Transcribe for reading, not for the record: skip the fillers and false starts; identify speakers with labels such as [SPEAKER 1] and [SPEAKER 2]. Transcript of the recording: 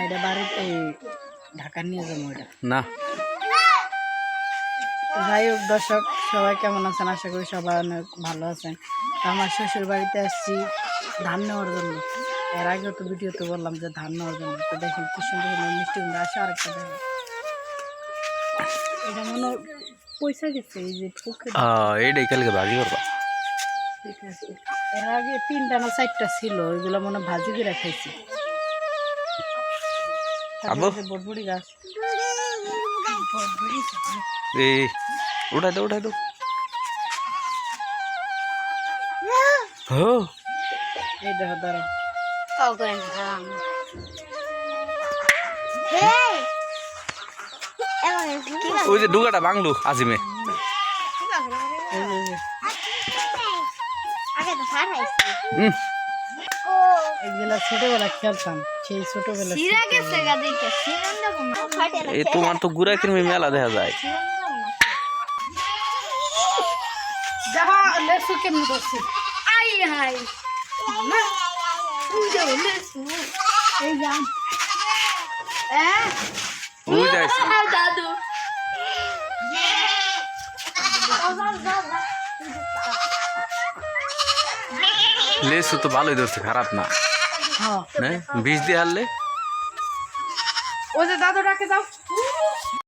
[SPEAKER 1] এটা বাড়িতে ঢাকা নিয়ে যাবো এটা
[SPEAKER 2] না।
[SPEAKER 1] যাই হোক দর্শক সবাই কেমন আছেন, আশা করি সবাই অনেক ভালো আছেন। আমার শ্বশুর বাড়িতে আসছি ধান নেওয়ার জন্য। এর আগেও তো ভিডিওতে বললাম যে ধান নেওয়ার জন্য। তো দেখেন কি সুন্দর সুন্দর মিষ্টি কুমড়া আসে। আরেকটা দেখেন, এটা মনে পয়সা গেছে এই যে পুকুরে।
[SPEAKER 2] এইটাই কালকে ভাজি করবা।
[SPEAKER 1] ঠিক আছে, এর আগে 3টা না 4টা ছিল, ওইগুলো মনে ভাজি করে খাইছি। তারপরে বটবড়ি গাছ
[SPEAKER 2] এই উঠাই দাও উঠাই দাও। হ্যাঁ
[SPEAKER 1] এই দেখো দাঁড়াও।
[SPEAKER 2] ওই যে ডুগাটা বাংলু আজিমে।
[SPEAKER 1] এই যে, এগুলা ছোটবেলা খেলতাম, সেই ছোটবেলা।
[SPEAKER 2] এই তোমার তো গুড়া কিনবে মেলা দেখা যায়।
[SPEAKER 1] দেখা লেসু কেমন করছে। এই যান
[SPEAKER 2] ওই যাইছে
[SPEAKER 3] দাদু
[SPEAKER 2] লেসু তো ভালোই ধরছে, খারাপ না।
[SPEAKER 1] হ্যাঁ,
[SPEAKER 2] না বীজ দিয়ে হারলে
[SPEAKER 1] ওই যে দাদু ডাকে যাও।